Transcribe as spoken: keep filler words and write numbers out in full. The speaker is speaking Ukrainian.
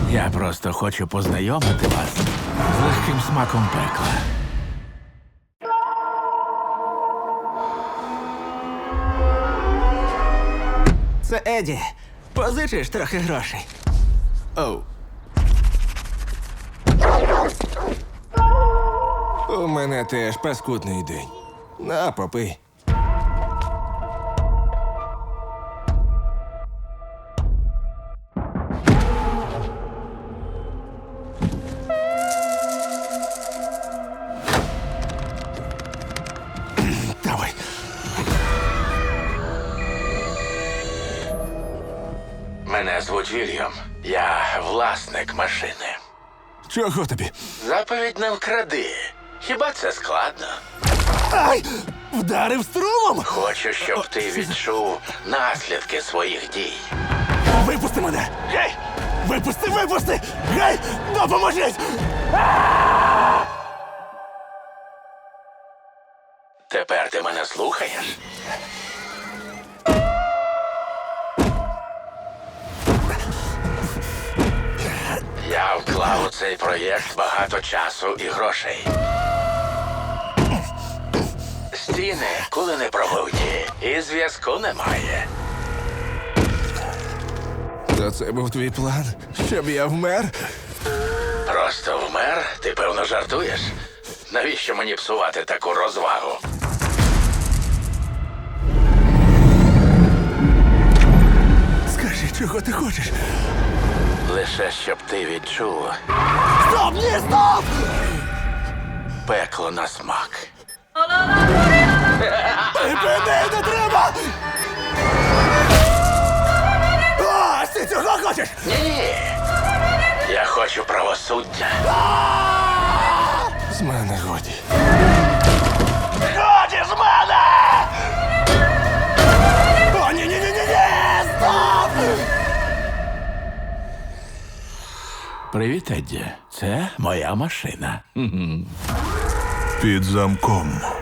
Я просто хочу познайомити вас з легким смаком пекла. Це Еді. Позичиш трохи грошей. Оу. У мене теж паскудний день. На, попий. Давай. Мене звуть Вільям. Я власник машини. Чого тобі? Заповідь не вкради. Хіба це складно? Ай! Вдарив струмом! Хочу, щоб ти відчув наслідки своїх дій. Випусти мене! Гей! Випусти, випусти! Гей! Допоможіть! Тепер ти мене слухаєш? Я вклав у цей проєкт багато часу і грошей. Стіни коли не пробуті, і зв'язку немає. То це був твій план? Щоб я вмер? Просто вмер? Ти, певно, жартуєш? Навіщо мені псувати таку розвагу? Скажи, чого ти хочеш? Лише щоб ти відчув Стоп! Ні, стоп! пекло на смак. Припини, не треба! А, ти цього хочеш? Ні, я хочу правосуддя. З мене годі. Годі з мене! О, ні, ні, ні, ні, ні! Стоп! Привіт, Едді. Це моя машина. Під замком.